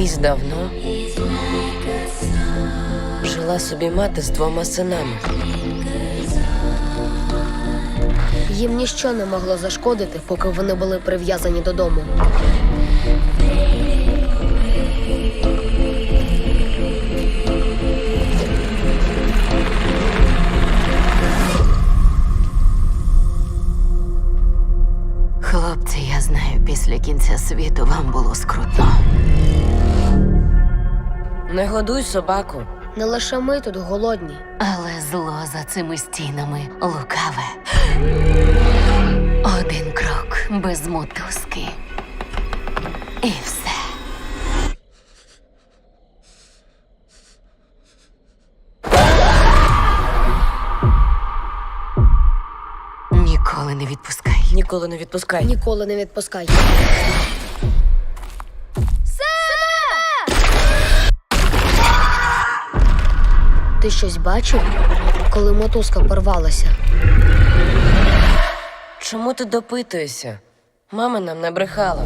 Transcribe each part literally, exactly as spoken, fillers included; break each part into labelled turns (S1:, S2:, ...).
S1: Колись давно жила собі мати з двома синами.
S2: Їм ніщо не могло зашкодити, поки вони були прив'язані додому.
S3: Хлопці, я знаю, після кінця світу вам було скрутно.
S1: Не годуй собаку.
S2: Не лише ми тут голодні.
S3: Але зло за цими стінами лукаве. Один крок без мотузки. І все. Ніколи не відпускай.
S1: Ніколи не відпускай.
S2: Ніколи не відпускай. Ти щось бачив, коли мотузка порвалася?
S1: Чому ти допитуєшся? Мама нам не брехала.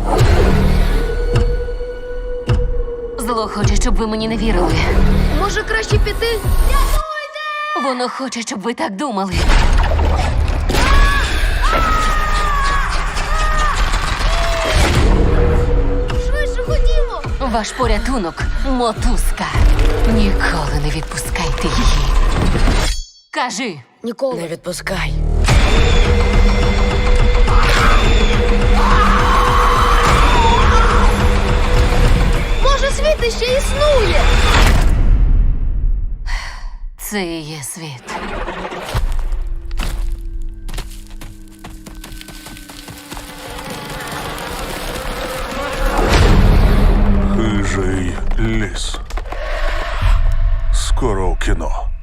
S3: Зло хоче, щоб ви мені не вірили.
S2: Може, краще піти?
S3: Воно хоче, щоб ви так думали.
S2: Швидше ходімо!
S3: Ваш порятунок – мотузка. Ніколи не відпускайте її. Кажи.
S2: Ніколи.
S1: Не відпускай.
S2: Може, світ ще існує?
S3: Це і є світ.
S4: Хижий ліс. Скоро у кіно.